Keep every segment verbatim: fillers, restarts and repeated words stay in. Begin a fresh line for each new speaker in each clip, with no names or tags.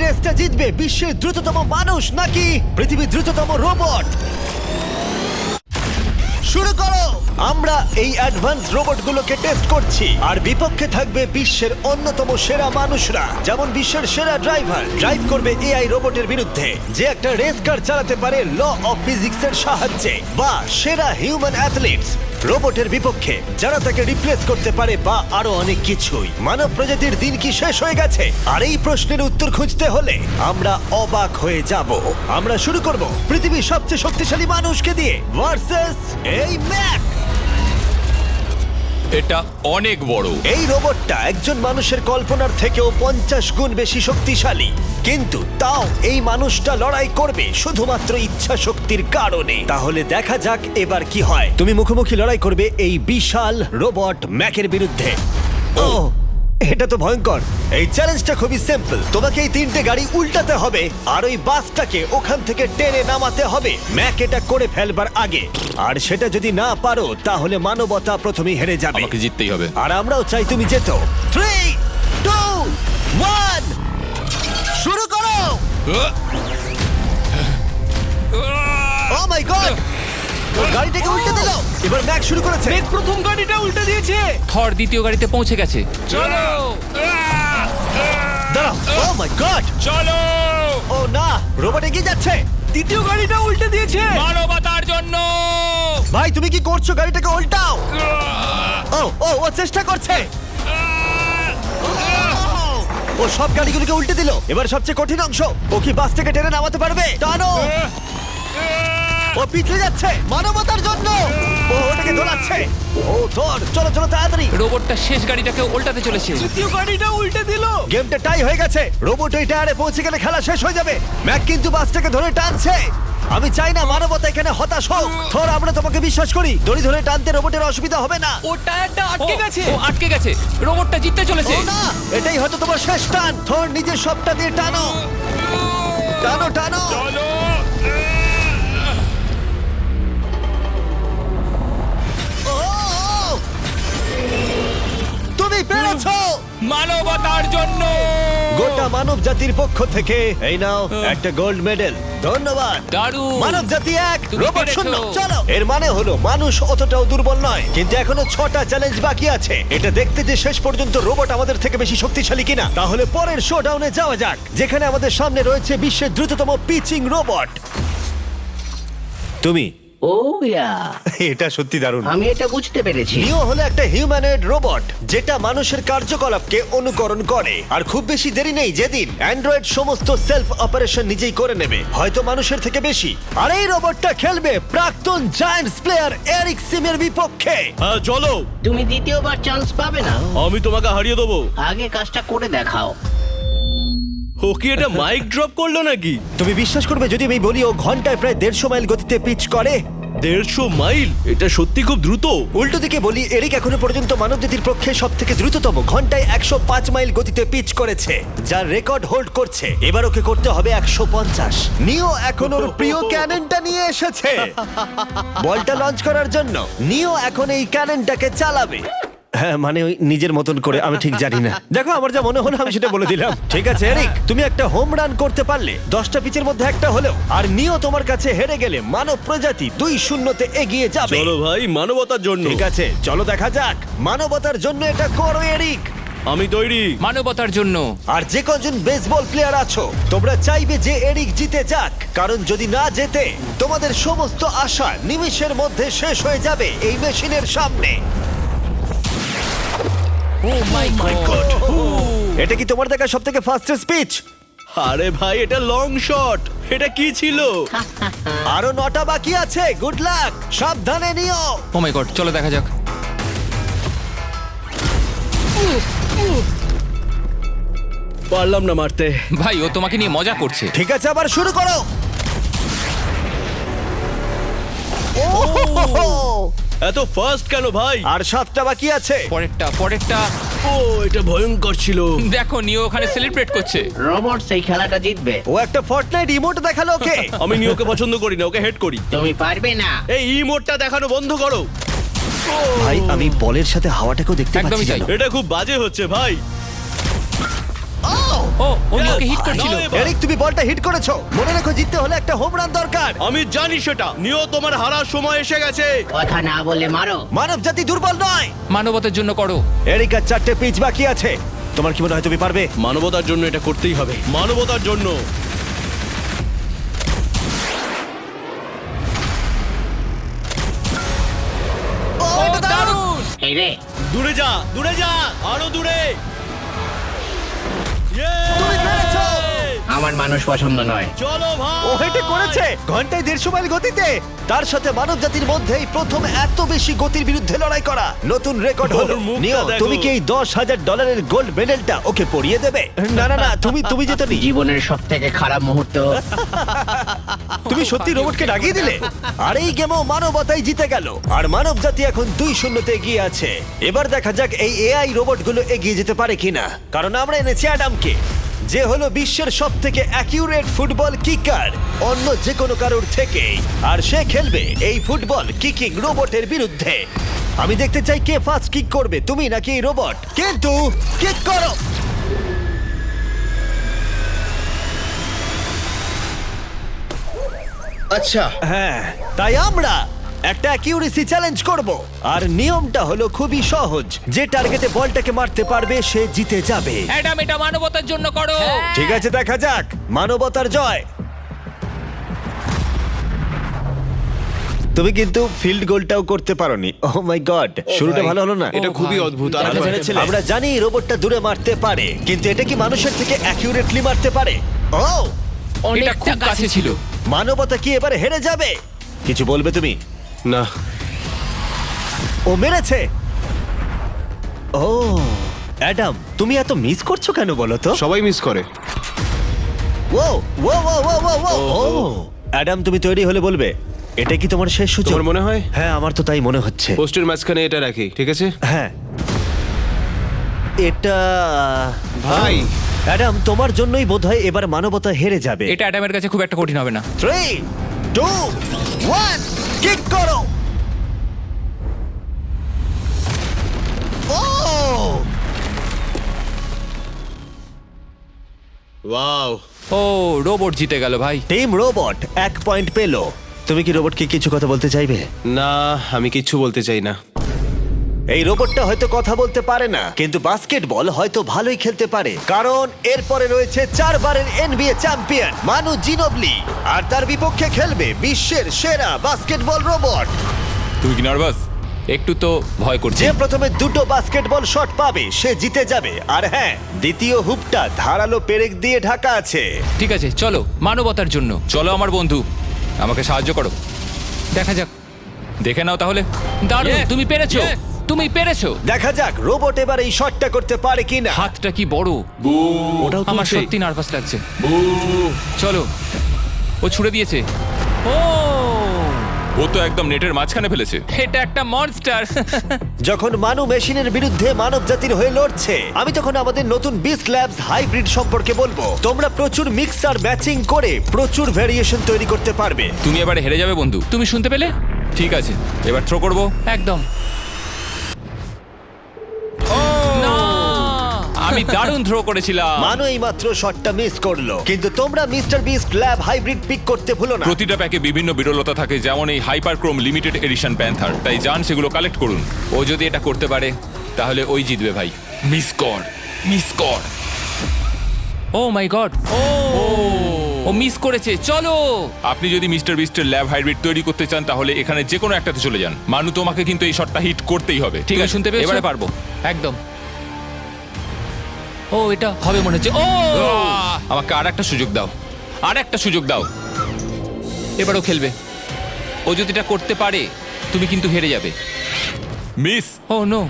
রেসটা জিতবে বিশ্বের দ্রুততম মানুষ নাকি পৃথিবীর দ্রুততম রোবট? শুরু করো। আমরা এই অ্যাডভান্স রোবটগুলোকে টেস্ট করছি আর বিপক্ষে থাকবে বিশ্বের অন্যতম সেরা মানুষরা, যেমন বিশ্বের সেরা ড্রাইভার ড্রাইভ করবে এআই রোবটের বিরুদ্ধে যে একটা রেস কার চালাতে পারে ল অফ ফিজিক্সের সাহায্যে, বা সেরা হিউম্যান অ্যাথলিটস রোবটের বিপক্ষে যারা তাকে রিপ্লেস করতে পারে, বা আরো অনেক কিছুই। মানব প্রজাতির দিন কি শেষ হয়ে গেছে? আর এই প্রশ্নের উত্তর খুঁজতে হলে আমরা অবাক হয়ে যাব। আমরা শুরু করব পৃথিবীর সবচেয়ে শক্তিশালী মানুষকে দিয়ে ভার্সেস এই ম্যাক।
এটা অনেক বড়।
এই রোবটটা একজন মানুষের কল্পনার থেকেও পঞ্চাশ গুণ বেশি শক্তিশালী, কিন্তু তাও এই মানুষটা লড়াই করবে শুধুমাত্র ইচ্ছা শক্তির কারণে। তাহলে দেখা যাক এবার কি হয়। তুমি মুখোমুখি লড়াই করবে এই বিশাল রোবট ম্যাকের বিরুদ্ধে। ও, এটা তো ভয়ঙ্কর। এই চ্যালেঞ্জটা খুবই সিম্পল। তোমাকে এই তিনটে গাড়ি উল্টাতে হবে আর ওই বাসটাকে ওখান থেকে টেনে নামাতে হবে ম্যাক এটা করে ফেলবার আগে। আর সেটা যদি না পারো তাহলে মানবতা প্রথমেই হেরে যাবে।
আমাকে জিততেই হবে।
আর আমরাও চাই তুমি যেতো। থ্রি টু ওয়ান শুরু করো। ও মাই গড, গাড়িটাকে উল্টে দিল। এবার ম্যাক শুরু করেছে।
মেঘ প্রথম গাড়িটা উল্টে দিয়েছে।
থর দ্বিতীয় গাড়িতে পৌঁছে গেছে।
চলো
দাঁড়াও। ও মাই গড,
চলো
ও না, রোবট এগিয়ে যাচ্ছে।
দ্বিতীয় গাড়িটা উল্টে দিয়েছে।
মানবতার জন্য।
ভাই তুমি কি করছো? গাড়িটাকে উল্টাও। ও ও ও চেষ্টা করছে। ও সব গাড়িগুলোকে উল্টে দিল। এবার সবচেয়ে কঠিন অংশ, ও কি বাস থেকে টেনে নামাতে পারবে? টানো। ও পিছলে যাচ্ছে মানবতার জন্য। ও ওটাকে দোলাচ্ছে। ও ধর, চলো চলো তাড়াতাড়ি।
রোবটটা শেষ গাড়িটাকে উল্টাতে চলেছে।
তৃতীয় গাড়িটা উল্টে দিল।
গেমটা টাই হয়ে গেছে। রোবট ওই টায়ারে পৌঁছে গেলে খেলা শেষ হয়ে যাবে। ম্যাক কিন্তু বাসটাকে ধরে টানছে। আমি চাই না মানবতা এখানে হতাশ হোক। থর, আমরা তোমাকে বিশ্বাস করি। দড়ি ধরে টানতে রোবটের অসুবিধা হবে না।
ও টায়ারটা আটকে
ও,
গেছে।
ও আটকে গেছে। রোবটটা জিততে চলেছে।
ও না, এটাই হয়তো তোমার শেষ টান। থর, নিজের সবটা দিয়ে টানো টানো টানো।
চলো
ও, ও, তুমি পেরেছো।
মানবতার জন্য।
গোটা মানব জাতির পক্ষ থেকে এই নাও একটা গোল্ড মেডেল। ধন্যবাদ।
দারুণ।
মানব জাতি এক,
তুমি
রোবট
পেরেছো।
শূন্য। চলো। এর মানে হলো মানুষ অতটাও দুর্বল নয়, কিন্তু এখনো ছটা চ্যালেঞ্জ বাকি আছে। এটা দেখতে যে শেষ পর্যন্ত রোবট আমাদের থেকে বেশি শক্তিশালী কিনা। তাহলে পরের শোডাউনে যাওয়া যাক, যেখানে আমাদের সামনে রয়েছে বিশ্বের দ্রুততম পিচিং রোবট। তুমি
ও ইয়া,
এটা সত্যি দারুণ।
আমি এটা বুঝতে পেরেছি।
নিও হলো একটা হিউম্যানয়েড রোবট যেটা মানুষের কার্যকলাপকে অনুকরণ করে। আর খুব বেশি দেরি নেই যেদিন অ্যান্ড্রয়েড সমস্ত সেলফ অপারেশন নিজেই করে নেবে, হয়তো মানুষের থেকে বেশি। আর এই রোবটটা খেলবে প্রাক্তন জায়ান্টস প্লেয়ার এরিক সিমের বিপক্ষে।
হ্যাঁ চলো,
তুমি দ্বিতীয়বার চান্স পাবে না।
আমি তোমাকে হারিয়ে দেবো।
আগে কাজটা করে দেখাও।
ও কি এটা মাইক ড্রপ করলো নাকি?
তুমি বিশ্বাস করবে যদি আমি বলি ও ঘন্টায় প্রায় দেড়শো মাইল গতিতে পিচ করে?
দেড়শো মাইল? এটা সত্যি খুব দ্রুত।
উল্টো দিকে বলি, এরিক এখনো পর্যন্ত মানবজাতির পক্ষে সব থেকে দ্রুততম ঘন্টায় একশো পাঁচ মাইল গতিতে পিচ করেছে, যার রেকর্ড হোল্ড করছে। এবার ওকে করতে হবে একশো পঞ্চাশ। নিও এখন ওর প্রিয় ক্যাননটা নিয়ে এসেছে বলটা লঞ্চ করার জন্য। নিও এখন এই ক্যাননটাকে চালাবে। হ্যাঁ, মানে ওই নিজের মতন করে, আমি ঠিক জানি না। দেখো, আমার যা মনে হলো আমি সেটা বলে দিলাম। ঠিক আছে এরিক, তুমি একটা হোম রান করতে পারলে দশটা পিচের মধ্যে একটা হলেও, আর নিও তোমার কাছে হেরে গেলে মানব প্রজাতি দুই শূন্যতে এগিয়ে যাবে।
চলো ভাই, মানবতার জন্য।
ঠিক আছে, চলো দেখা যাক। মানবতার জন্য এটা করো এরিক।
আমি তৈরি।
মানবতার জন্য।
আর যে কজন বেসবল প্লেয়ার আছো, তোমরা চাইবে যে এরিক জিতে যাক, কারণ যদি না জেতে তোমাদের সমস্ত আশা নিমিষের মধ্যে শেষ হয়ে যাবে এই মেশিনের সামনে।
Oh my
God!
গড।
এটা কি তোমার দেখা সব থেকে ফাস্টেস্ট পিচ?
আরে ভাই, এটা লং শট। এটা কি ছিল?
আরো নটা বাকি আছে। গুড লাক, সাবধানে নিও।
ও মাই গড, চলো দেখা যাক।
পারলাম না মারতে।
ভাই, ও তোমাকে নিয়ে মজা করছে।
ঠিক আছে, আবার শুরু করো। ও,
এত ফাস্ট কেন ভাই?
আর সাতটা বাকি আছে।
পরেরটা পরেরটা।
ও, এটা ভয়ঙ্কর ছিল।
দেখো, নিও ওখানে সেলিব্রেট করছে।
রোবট সেই খেলাটা জিতবে।
ও একটা ফর্টনাইট ইমোট দেখালো ওকে।
আমি নিয়োকে পছন্দ করি না, ওকে হেড করি।
তুমি পারবে না।
এই ইমোটটা দেখানো বন্ধ করো।
ভাই, আমি বলের সাথে হাওয়াটাকেও দেখতে
একদমই
পাচ্ছি
তাই।
জানো?
এটা খুব বাজে হচ্ছে ভাই।
ও
ও ও নিওকে হিট করছিল
নাও এবার।
এরিক তুমি বলটা হিট করেছো, মনে রেখো জিততে হলে একটা হোম রান দরকার।
আমি জানি সেটা। নিও, তোমার হারার সময় এসে গেছে।
কথা না বলে মারো।
মানব জাতি দুর্বল নয়।
মানবতার জন্য করো।
এরিক আর চারটে পিচ বাকি আছে, তোমার কি মনে হয় তুমি পারবে?
মানবতার জন্য এটা করতেই হবে। মানবতার জন্য।
ও,
ও
এটা দারুণ!
দারুণ!
এই রে,
দূরে যা, দূরে যা, আরো দূরে। Yay!
তুমি পেরেছো!
আমার মানুষ পছন্দ নয়।
চলো ভাই।
ও হেটে করেছে ঘন্টায় দেড়শো মাইল গতিতে। তার সাথে মানব জাতির মধ্যেই প্রথম এত বেশি গতির বিরুদ্ধে লড়াই করা নতুন রেকর্ড হলো।
ওর মুখটা
নিও,
দেখো।
তুমি কি এই দশ হাজার ডলারের গোল্ড মেডেলটা ওকে পরিয়ে দেবে? না না না, তুমি তুমি যেতে নি।
জীবনের সব থেকে খারাপ মুহূর্ত।
তুমি সত্যি রোবটকে ডাকিয়ে দিলে। আর এই গেমও মানবতাই জিতে গেল, আর মানব জাতি এখন দুই শূন্যতে এগিয়ে আছে। এবার দেখা যাক এই এআই রোবটগুলো এগিয়ে যেতে পারে কিনা, কারণ আমরা এনেছি অ্যাডামকে, যে হলো বিশ্বের সব থেকে অ্যাকিউরেট ফুটবল কিকার অন্য যে কোনো কারোর থেকে, আর সে খেলবে এই ফুটবল কিকিং রোবটের বিরুদ্ধে। আমি দেখতে চাই কে ফার্স্ট কিক করবে, তুমি নাকি এই রোবট। কিন্তু কিক করো।
আচ্ছা,
হ্যাঁ, তাই আমরা একটা অ্যাকিউরেসি চ্যালেঞ্জ করব, আর নিয়মটা হলো খুবই সহজ। যে টার্গেটে বলটাকে মারতে পারবে সে জিতে যাবে।
অ্যাডাম, এটা মানবতার জন্য করো।
ঠিক আছে, দেখা যাক মানবতার জয়। তুমি কিন্তু ফিল্ড গোলটাও করতে পারোনি। ও মাই গড, শুরুটা ভালো হলো না।
এটা খুবই অদ্ভুত। আর
আমরা জেনেছিলাম। আমরা জানি রোবটটা দূরে মারতে পারে, কিন্তু এটা কি মানুষের থেকে অ্যাকিউরেটলি মারতে পারে? ও,
এটা খুব কাছে ছিল।
মানবতা কি এবারে হেরে যাবে? কিছু বলবে তুমি?
না,
ও মেরেছে। ও অ্যাডাম, তুমি এত মিস করছো কেন বলো তো?
সবাই মিস করে।
ও ও ও ও ও ও ও অ্যাডাম, তুমি তৈরি হলে বলবে। এটা কি তোমার শেষ সূচক?
তোমার মনে হয়?
হ্যাঁ, আমার তো তাই মনে হচ্ছে।
পোস্টের মাঝখানে এটা রাখি, ঠিক আছে?
হ্যাঁ, এটা
ভাই,
অ্যাডাম, তোমার জন্যই বোধহয় এবার মানবতা হেরে যাবে।
এটা অ্যাডামের কাছে খুব একটা কঠিন হবে না।
থ্রি টু ওয়ান, কিক করো। ও
ওয়াও।
ও, রোবট জিতে গেল ভাই।
টিম রোবট এক পয়েন্ট পেলো। তুমি কি রোবটকে কিছু কথা বলতে চাইবে?
না, আমি কিচ্ছু বলতে চাই না।
এই রোবটটা হয়তো কথা বলতে পারে না, কিন্তু বাস্কেটবল হয়তো ভালোই খেলতে পারে, কারণ এরপরে রয়েছে চারবারের এনবিএ চ্যাম্পিয়ন মানু জিনোবলি, আর তার বিপক্ষে খেলবে বিশ্বের সেরা বাস্কেটবল রোবট।
তুমি কি নার্ভাস? একটু তো ভয় করছে।
যে প্রথমে দুটো বাস্কেটবল শট পাবে সে জিতে যাবে। আর হ্যাঁ, দ্বিতীয় হুপটা ধারালো পেরেক দিয়ে ঢাকা আছে।
ঠিক আছে, চলো মানবতার জন্য। চলো আমার বন্ধু, আমাকে সাহায্য করো। দেখা যাক, দেখে নাও তাহলে। দারুণ,
Yes,
তুমি পেরেছো,
yes.
তুমি পেরেছো।
দেখা যাক রোবট এবার এই শটটা করতে পারে কিনা।
হাতটা কি বড়!
ওটাও
আমার
তুলছে।
সত্যি নার্ভাস লাগছে। চলো, ও ছুড়ে দিয়েছে। ও,
ও তো একদম নেটের মাঝখানে ফেলেছে।
এটা একটা মনস্টার।
যখন মানু মেশিনের বিরুদ্ধে মানব জাতির হয়ে লড়ছে, আমি তখন আমাদের নতুন বিস্ট ল্যাবস হাইব্রিড সম্পর্কে বলবো। তোমরা প্রচুর মিক্সার ম্যাচিং করে প্রচুর ভেরিয়েশন তৈরি করতে পারবে।
তুমি এবারে হেরে যাবে বন্ধু।
তুমি শুনতে পেলে?
ঠিক আছে, এবার থ্রো করবো।
একদম। না!
আমি দারুণ থ্রো করেছিলাম।
মানু এই মাত্র শটটা মিস করলো, কিন্তু তোমরা mister beast lab hybrid pick করতে ভুলো না।
প্রতিটা প্যাকে বিভিন্ন বিরলতা থাকে, যেমন এই হাইপারক্রোম লিমিটেড এডিশন প্যান্থার। তাই যান সেগুলো কালেক্ট করুন।
ও যদি এটা করতে পারে তাহলে ওই জিতবে ভাই।
মিস কর, মিস কর।
ও my God! O O miss করেছে। চলো,
আপনি যদি মিস্টার বিস্টের ল্যাব হাইব্রিড তৈরি করতে চান তাহলে এখানে যে কোনো একটাতে চলে যান। মানু, তোমাকে কিন্তু এই শটটা হিট করতেই হবে।
ঠিক আছে, শুনতে পেয়েছো?
এবারে পারবো।
একদম। ও, এটা হবে মনে হচ্ছে। ও,
আহ! আমাকে আর একটা সুযোগ দাও, আর একটা সুযোগ দাও।
এবারও খেলবে। ও যদি এটা করতে পারে তুমি কিন্তু হেরে যাবে।
মিস।
ও নো,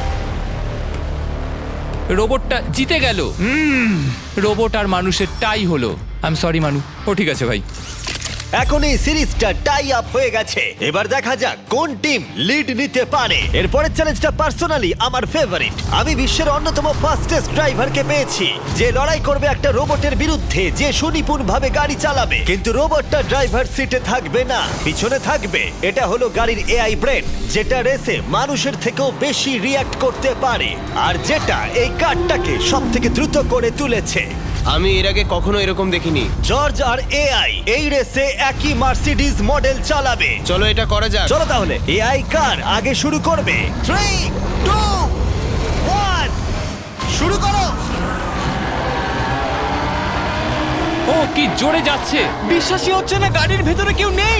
রোবটটা জিতে গেল। রোবট আর মানুষের টাই হলো। আই এম সরি মানু।
ও ঠিক আছে ভাই।
এখন এই সিরিজটা টাই আপ হয়ে গেছে। এবার দেখা যাক কোন টিম লিড নিতে পারে। এরপরের চ্যালেঞ্জটা পার্সোনালি আমার ফেভারিট। আমি বিশ্বের অন্যতম ফাস্টেস্ট ড্রাইভারকে পেয়েছি, যে লড়াই করবে একটা রোবটের বিরুদ্ধে যে সুনিপুণ ভাবে গাড়ি চালাবে। কিন্তু রোবটটা ড্রাইভার সিটে থাকবে না, পিছনে থাকবে। এটা হলো গাড়ির এআই ব্রেন, যেটা রেসে মানুষের থেকেও বেশি রিয়্যাক্ট করতে পারে, আর যেটা এই কারটাকে সব থেকে দ্রুত করে তুলেছে।
আমি এর আগে কখনো এরকম দেখিনি।
জর্জ আর এআই এই রেসে একই মার্সিডিজ মডেল চালাবে।
চলো এটা করা যাক।
চলো তাহলে এআই কার আগে শুরু করবে। থ্রি টু ওয়ান, শুরু করো।
ও কি জোরে যাচ্ছে!
বিশ্বাসই হচ্ছে না গাড়ির ভেতরে কেউ নেই।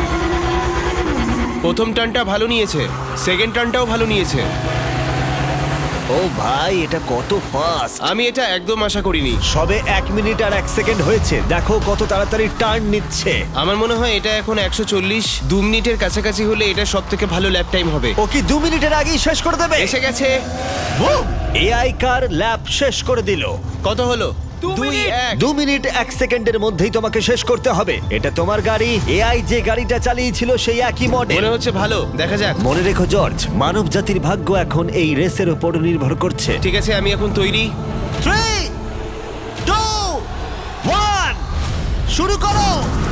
প্রথম টার্নটা ভালো নিয়েছে, সেকেন্ড টার্নটাও ভালো নিয়েছে।
ও ভাই, এটা কত ফাস্ট!
আমি এটা একদম আশা করিনি।
সবে এক মিনিট আর এক সেকেন্ড হয়েছে, দেখো কত তাড়াতাড়ি টার্ন নিচ্ছে।
আমার মনে হয় এটা এখন একশো চল্লিশ, দু মিনিটের কাছাকাছি হলে এটা সব থেকে ভালো ল্যাপ টাইম হবে।
ও কি দু মিনিটের আগেই শেষ করে দেবে?
এসে গেছে।
এআই কার ল্যাব শেষ করে দিল।
কত হলো?
দু
দুই
মিনিট।
এক।
দু মিনিট এক সেকেন্ডের মধ্যেই তোমাকে শেষ করতে হবে। এটা তোমার গাড়ি, এআই যে গাড়িটা চালিয়েছিল সেই একই মডেল।
মনে হচ্ছে ভালো, দেখা যাক।
মনে রেখো জর্জ, মানব জাতির ভাগ্য এখন এই রেসের উপর নির্ভর করছে।
ঠিক আছে, আমি এখন তৈরি।
থ্রি টু ওয়ান, শুরু করো।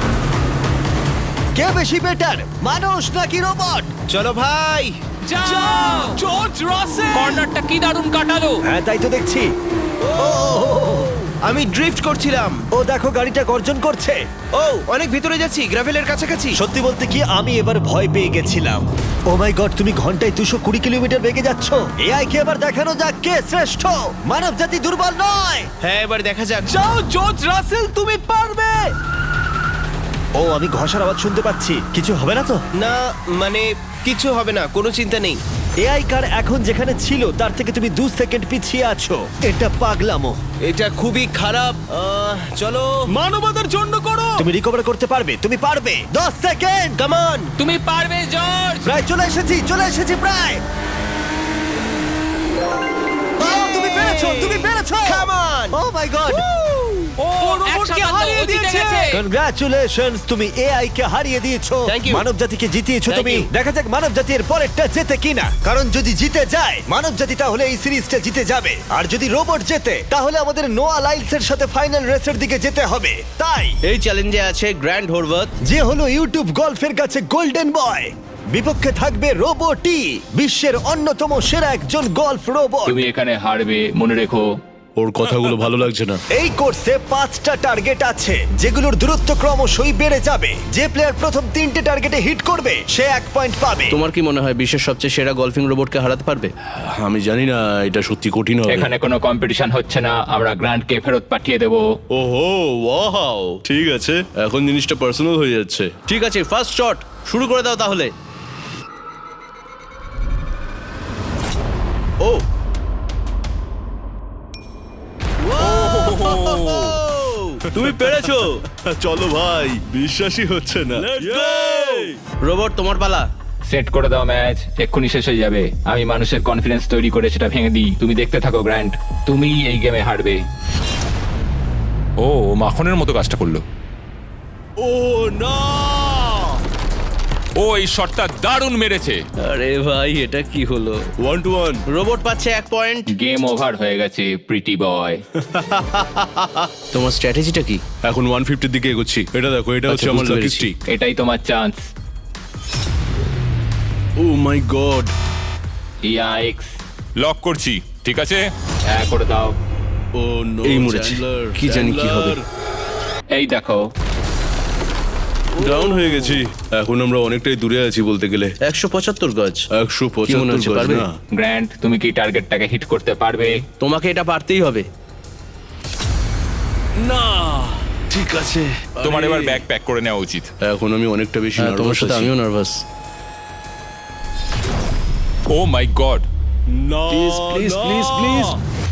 কে বেশি বেটার, মানুষ নাকি রোবট?
চলো ভাই।
যাও!
জর্জ রাসেল।
কর্নারটা কি দারুণ কাটালো!
হ্যাঁ, তাই তো দেখছি। ও,
আমি ড্রিফট করছিলাম।
ও দেখো গাড়িটা গর্জন করছে।
ও অনেক ভিতরে যাচ্ছি, গ্রাভেলের কাছাকাছি।
সত্যি বলতে কি, আমি এবার ভয় পেয়ে গেছিলাম। ও মাই গড, তুমি ঘন্টায় দুশো কুড়ি কিলোমিটার বেগে যাচ্ছ। এআই কে এবার দেখানো যাক কে শ্রেষ্ঠ। মানব জাতি দুর্বল নয়।
হ্যাঁ, এবার দেখা যাক।
যাও জর্জ রাসেল, তুমি পারবে।
ও, আমি ঘষার আওয়াজ শুনতে পাচ্ছি। কিছু হবে না তো?
না, মানে কিছু হবে না, কোনো চিন্তা নেই।
এআই কার এখন যেখানে ছিল তার থেকে তুমি দু সেকেন্ড পিছিয়ে আছো। এটা পাগলামো।
এটা খুবই খারাপ। আহ, চলো।
মানবতার জন্য করো।
তুমি রিকভার করতে পারবে, তুমি পারবে। দশ সেকেন্ড, কাম অন।
তুমি পারবে জর্জ!
প্রায় চলে এসেছি, চলে এসেছি প্রায়। ও, তুমি পেরেছো, তুমি পেরেছো।
Come on!
Oh my God.
ও
রোবটকে
একসাথে
হারিয়ে
ও জিতে
দিয়েছে।
গেছে।
কনগ্রাচুলেশনস, তুমি এআই কে হারিয়ে দিয়েছো।
Thank you.
মানব জাতিকে জিতিয়েছো
Thank
তুমি।
you.
দেখা যাক মানব জাতির পরেরটা জেতে কিনা। কারণ যদি জিতে যায় মানব জাতি, তাহলে এই সিরিজটা জিতে যাবে। আর যদি রোবট জেতে, তাহলে আমাদের নোয়া লাইলসের সাথে ফাইনাল রেসের দিকে যেতে হবে। তাই
এই চ্যালেঞ্জে আছে গ্র্যান্ড হোরভাত।
যে হলো ইউটিউব গল্ফের কাছে গোল্ডেন বয়, বিপক্ষে থাকবে রোবটই, বিশ্বের অন্যতম সেরা একজন গল্ফ রোবট।
তুমি এখানে হারবে, মনে রেখো।
ওর কথাগুলো ভালো লাগছে না।
এই কোর্সে পাঁচটা টার্গেট আছে, যেগুলোর দূরত্ব ক্রমশই বেড়ে যাবে। যে প্লেয়ার প্রথম তিনটে টার্গেটে হিট করবে সে এক পয়েন্ট পাবে।
তোমার কি মনে হয় বিশ্বের সবচেয়ে সেরা গলফিং রোবটকে হারাতে পারবে?
আমি জানি না, এটা সত্যি কঠিন হবে।
এখানে কোনো কম্পিটিশন হচ্ছে না, আমরা গ্র্যান্ডকে ফেরত পাঠিয়ে দেবো।
ওহো, ওয়াও, ঠিক আছে, এখন জিনিসটা পার্সোনাল হয়ে যাচ্ছে।
ঠিক আছে, ফার্স্ট শট শুরু করে দাও তাহলে। ও তুমি পেরেছো।
চলো ভাই, বিশ্বাসই হচ্ছে না।
রোবট, তোমার পালা।
সেট করে দাও ম্যাচ, এক্ষুনি শেষ হয়ে যাবে। আমি মানুষের কনফিডেন্স তৈরি করে সেটা ভেঙে দিই। তুমি দেখতে থাকো গ্র্যান্ড, তুমি এই গেমে হারবে।
ও ও মাখনের মতো কাজটা করলো।
ও না!
ও এই শটটা দারুণ মেরেছে।
আরে ভাই, এটা কি হলো?
One two one.
রোবট পাচ্ছে এক পয়েন্ট।
গেম ওভার হয়ে গেছে প্রিটি বয়।
তোমার স্ট্র্যাটেজিটা কি?
এখন ওয়ান ফিফটির দিকে এগোচ্ছি। এটা দেখো, এটা হচ্ছে
আচ্ছা,
আমার
বুঝতে
লাকি
পেরেছি।
স্ট্রিক।
এটাই তোমার chance.
Oh my God.
Yikes!
Lock করছি, ঠিক আছে?
হ্যাঁ, করে দাও।
ও নো,
এই মরেছে। কি জানি কি হবে।
এই দেখো,
ডাউন হয়ে গেছি। এখন আমরা অনেকটাই দূরে আছি বলতে গেলে।
একশো পঁচাত্তর গজ।
একশো
কি মনে হচ্ছে,
পঁচাত্তর
পারবে?
না।
গ্র্যান্ড, তুমি কি টার্গেটটাকে হিট করতে পারবে?
তোমাকে এটা পারতেই হবে।
না, ঠিক আছে।
তোমার
আরে,
এবার ব্যাগ প্যাক করে নেওয়া উচিত।
এখন আমি অনেকটা বেশি
হ্যাঁ, তোমার
নার্ভাস
সাথে
আছি।
আমিও নার্ভাস।
Oh my God!
না,
Please, please,
না।
please, please.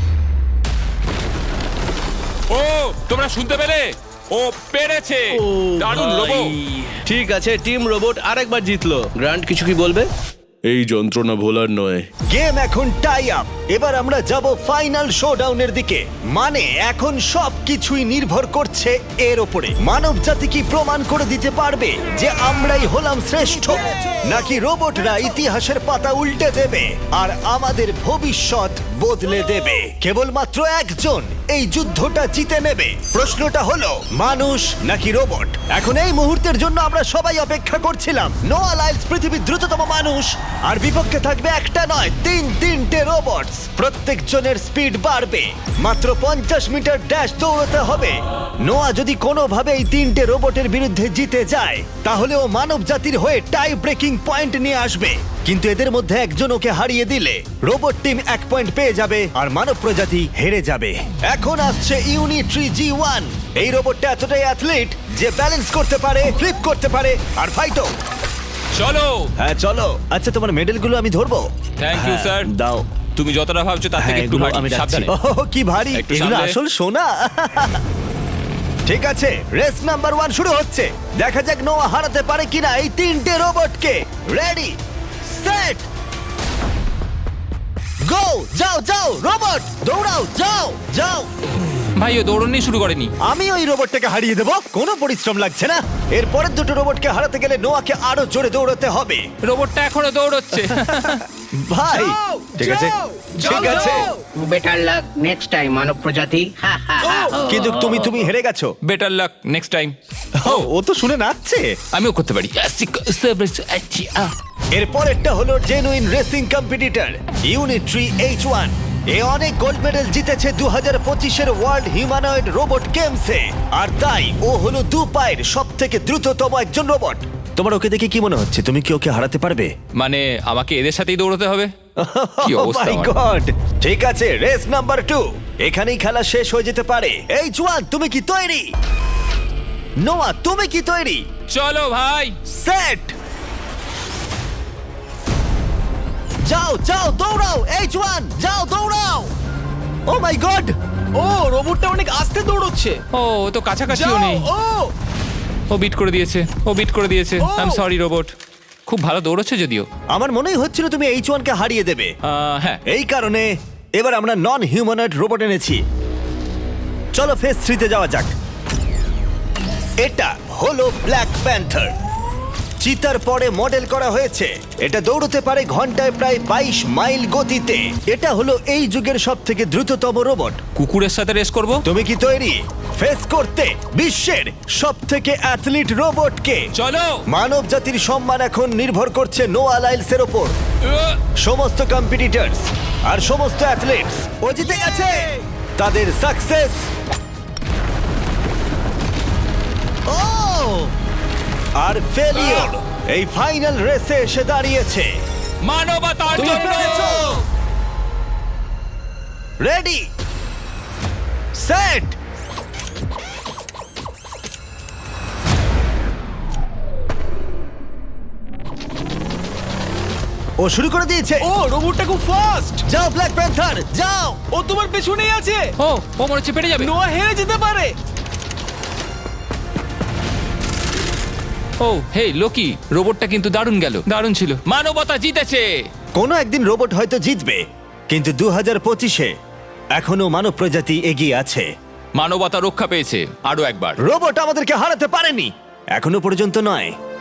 ও তোমরা শুনতে পেলে? ও পেরেছে! দারুণ রোবো।
ঠিক আছে, টিম রোবট আরেকবার জিতলো। গ্র্যান্ড, কিছু কি বলবে?
এই যন্ত্রণা ভোলার নয়।
গেম এখন টাই আপ। এবার আমরা যাব ফাইনাল শোডাউনের দিকে। মানে এখন সব কিছুই নির্ভর করছে এর ওপরে। মানব জাতি কি প্রমাণ করে দিতে পারবে যে আমরাই হলাম শ্রেষ্ঠ, নাকি রোবটরা ইতিহাসের পাতা উল্টে দেবে আর আমাদের ভবিষ্যৎ বদলে দেবে? কেবলমাত্র একজন এই যুদ্ধটা জিতে নেবে। প্রশ্নটা হলো মানুষ নাকি রোবট? এখন এই মুহূর্তের জন্য আমরা সবাই অপেক্ষা করছিলাম। নোয়া লাইলস পৃথিবীর দ্রুততম মানুষ, আর বিপক্ষে থাকবে একটা নয় তিন তিনটে রোবট। প্রত্যেকজনের স্পিড বাড়বে। মাত্র পঞ্চাশ মিটার ড্যাশ দৌড়তে হবে। নোয়া যদি কোনোভাবে এই তিনটে রোবটের বিরুদ্ধে জিতে যায়, তাহলে ও মানব জাতির হয়ে টাই ব্রেকিং পয়েন্ট নিয়ে আসবে। কিন্তু এদের মধ্যে একজন ওকে হারিয়ে দিলে রোবট টিম এক পয়েন্ট পেয়ে যাবে আর মানব প্রজাতি হেরে যাবে। এখন আসছে ইউনিট্রি জি ওয়ান। এই রোবটটা এতটাই অ্যাথলিট যে ব্যালেন্স করতে পারে, ফ্লিপ করতে পারে আর ফাইটও।
চলো।
হ্যাঁ চলো। আচ্ছা, তোমার মেডেলগুলো আমি ধরবো?
Thank you,
হ্যাঁ,
sir.
দাও।
তুমি যতটা ভাবছো তার
হ্যাঁ,
থেকে একটু
এগুলো
ভারী।
আমি রাখছি।
সাবধানে।
ওহ, কি ভারী!
একটু
এগুলো
সামলে।
আসল সোনা। ঠিক আছে, রেস নাম্বার ওয়ান শুরু হচ্ছে। দেখা যাক নোয়া হারাতে পারে কিনা এই তিনটে রোবটকে। Ready, set, go! যাও যাও রোবট, দৌড়াও, যাও যাও।
ভাই ও দৌড়নি শুরু করেনি।
আমি ওই রোবটটাকে হারিয়ে দেবো, কোনো পরিশ্রম লাগছে না। এর পরের দুটো রোবটকে হারাতে গেলে নোয়াকে আরো জোরে দৌড়াতে হবে।
রোবটটা এখনো দৌড়চ্ছে।
ভাই
যাও,
ঠিক আছে,
যাও,
ঠিক
যাও,
আছে।
যাও।
বেটার লাক নেক্সট টাইম মানব প্রজাতি। হা, হা, হা, হা।
কিন্তু তুমি তুমি হেরে গেছো।
Better luck next time.
ও, ও তো শুনে নাচছে।
আমিও করতে পারি।
এর পরেরটা হলো genuine racing competitor Unitree H one. এ অনেক গোল্ড মেডেল জিতেছে দু হাজার পঁচিশের ওয়ার্ল্ড হিউম্যানয়েড রোবট গেমসে, আর তাই ও হলো দু পায়ের সব থেকে দ্রুততম একজন রোবট। তোমার ওকে দেখে কি মনে হচ্ছে? তুমি কি ওকে হারাতে পারবে?
মানে আমাকে এদের সাথেই দৌড়তে হবে? কি অবস্থা
Oh my
আমার।
God! ঠিক আছে, রেস নাম্বার টু। এখানেই খেলা শেষ হয়ে যেতে পারে। এইচ ওয়ান, তুমি কি তৈরি? নোয়া, তুমি কি তৈরি?
চলো ভাই।
সেট, যাও যাও দৌড়াও। এইচ ওয়ান, যাও দৌড়াও। ও মাই গড!
ও রোবটটা অনেক আস্তে দৌড়চ্ছে।
ও ও তো কাছাকাছিও
যাও,
নেই।
ও
ও বিট করে দিয়েছে। ও বিট করে দিয়েছে।
ও!
I am sorry robot. খুব ভালো দৌড়চ্ছে যদিও।
আমার মনেই হচ্ছিল তুমি এইচ ওয়ান কে হারিয়ে দেবে।
আহ, হ্যাঁ।
এই কারণে এবার আমরা নন হিউম্যানয়েড রোবট এনেছি। চলো ফেজ থ্রিতে যাওয়া যাক। এটা হলো ব্ল্যাক প্যান্থার। চিতার পরে মডেল করা হয়েছে। এটা দৌড়তে পারে ঘন্টায় প্রায় বাইশ মাইল গতিতে। এটা হলো এই যুগের সব থেকে দ্রুততম রোবট।
কুকুরের সাথে রেস করব।
তুমি কি তৈরি ফেস করতে বিশ্বের সব থেকে অ্যাথলিট রোবটকে?
চলো।
মানব জাতির সম্মান এখন নির্ভর করছে নোয়া লাইলসের ওপর।
আহ,
সমস্ত কম্পিটিটরস আর সমস্ত অ্যাথলেটস ও জিতে গেছে। তাদের সাকসেস ও আর ফেলিওর এই ফাইনাল রেসে এসে দাঁড়িয়েছে।
মানবতার
তুমি
জন্য।
পেরেছো। রেডি, সেট, ও শুরু করে দিয়েছে।
ও রোবটটা খুব ফাস্ট।
যাও ব্ল্যাক প্যান্থার, যাও।
ও তোমার পেছনেই আছে।
ও ও মনে হচ্ছে পেরে যাবে।
নোয়া হেরে যেতে পারে।
ও হেই লোকি, রোবটটা কিন্তু দারুণ গেল। দারুণ ছিল। মানবতা জিতেছে।
কোনো একদিন রোবট হয়তো জিতবে, কিন্তু দু হাজার পঁচিশে এখনো মানব প্রজাতি এগিয়ে আছে।
মানবতা রক্ষা পেয়েছে আরো একবার।
রোবট আমাদেরকে হারাতে পারেনি, এখনো পর্যন্ত নয়।